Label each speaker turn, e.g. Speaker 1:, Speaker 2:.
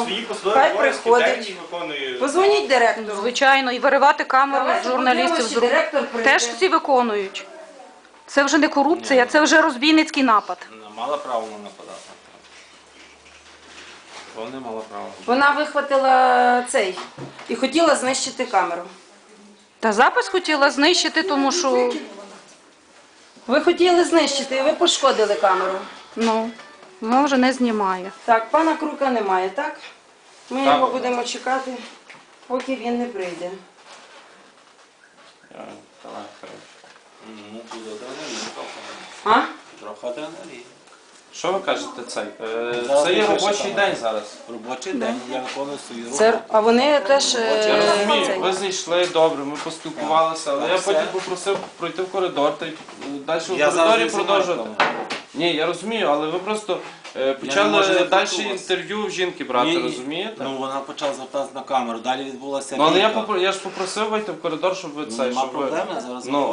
Speaker 1: свої посадові
Speaker 2: хай
Speaker 1: обов'язки
Speaker 2: приходить.
Speaker 1: день виконує.
Speaker 2: Позвоніть директору.
Speaker 3: Звичайно, і виривати камеру
Speaker 2: Давайте
Speaker 3: з журналістів
Speaker 2: подивимося,
Speaker 3: з рук.
Speaker 2: директор прийде.
Speaker 3: Теж всі виконують. Це вже не корупція, це вже розбійницький напад.
Speaker 4: Вона мала право на нападати. Вона мала право.
Speaker 2: Вона вихватила цей і хотіла знищити камеру.
Speaker 3: Та запис хотіла знищити, тому що
Speaker 2: Ви хотіли знищити, і ви пошкодили камеру.
Speaker 3: вона вже не знімає.
Speaker 2: Так, пана Крука немає, так? Ми
Speaker 4: Так.
Speaker 2: його будемо чекати, поки він не прийде.
Speaker 4: Ну, тут адреналін трохи.
Speaker 2: А?
Speaker 4: Трохи адреналін. Що ви кажете цей?
Speaker 5: Зараз
Speaker 4: Це є
Speaker 5: напише
Speaker 4: робочий
Speaker 5: там.
Speaker 4: день зараз.
Speaker 5: Робочий день, я виконую свою роботу.
Speaker 2: Це, а вони теж...
Speaker 4: Я розумію,
Speaker 2: цей.
Speaker 4: ви зайшли добре, ми поспілкувалися, але я потім попросив пройти в коридор та й далі в
Speaker 5: Я
Speaker 4: коридорі
Speaker 5: зараз
Speaker 4: продовжувати. Ні, я розумію, але ви просто
Speaker 5: не
Speaker 4: почали
Speaker 5: можу не
Speaker 4: далі
Speaker 5: почути вас.
Speaker 4: інтерв'ю в жінки брати,
Speaker 5: Ні,
Speaker 4: розумієте?
Speaker 5: Ну вона почала звертатися на камеру, далі відбулася
Speaker 4: Ну, але
Speaker 5: бійка.
Speaker 4: я ж попросив вийти в коридор, щоб ви це,
Speaker 5: Нема
Speaker 4: щоб ви...
Speaker 5: проблеми, зараз
Speaker 4: Ну,